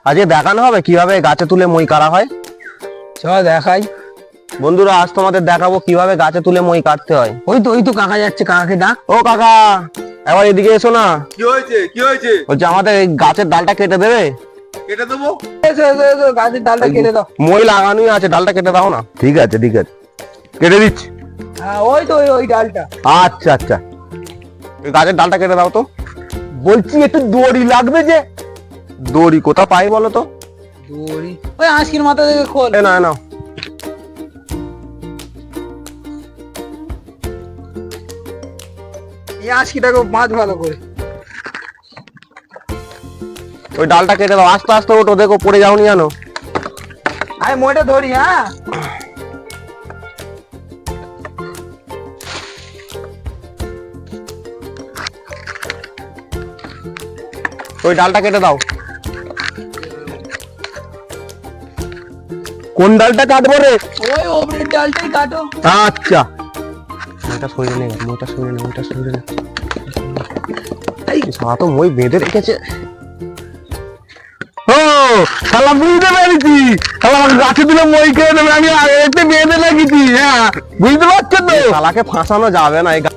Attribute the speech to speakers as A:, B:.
A: আজকে দেখানো হবে কিভাবে গাছে তুলে মই কাটা হয়।
B: চল দেখাই।
A: বন্ধুরা আজ তোমাদের দেখাবো কিভাবে গাছে তুলে মই কাটতে হয়।
B: ওই তো কাকা যাচ্ছে, কাকাকে ডাক।
A: ও কাকা, একবার এদিকে এসো না।
C: কি হয়েছে কি হয়েছে?
A: বলছি আমাদের এই গাছের ডালটা কেটে দেবে।
C: কেটে দেবো।
B: এসো, গাছের ডালটা কেটে দাও।
A: মই লাগানোই আছে, ডালটা কেটে দাও না। ঠিক আছে কেটে দিচ্ছি।
B: হ্যাঁ ওই তো ওই ডালটা।
A: আচ্ছা আচ্ছা, এই গাছের ডালটা কেটে দাও তো।
B: বলছি একটু দড়ি লাগবে যে।
A: দড়ি কোথা পাই বলো তো?
B: দড়ি ওই আঁশকির মাথা থেকে খোল।
A: এ না না,
B: এই আঁশকিটাকে বাঁধ ভালো করে।
A: ওই ডালটা কেটে দাও। আস্তে আস্তে ওঠো, দেখো পড়ে যাওনি জানো।
B: আমি মোটা ধরি। হ্যাঁ
A: ওই ডালটা কেটে দাও। কোন ডালটা কাটবো রে?
B: ওই ওপরের ডালটাই কাটো।
A: আচ্ছা, ওইটা সরিয়ে নে, ওইটা সরিয়ে নে, ওইটা সরিয়ে নে। এই সারা তো মই বেঁধে রেখেছে। ও শালা বুঝতে পেরেছি, শালা আমাকে গাছে দিলে মই খেয়ে নেবে। আমি আগে বেঁধে রেখেছি। হ্যাঁ বুঝতে পারছো তো? শালাকে ফাঁসানো যাবে না। এই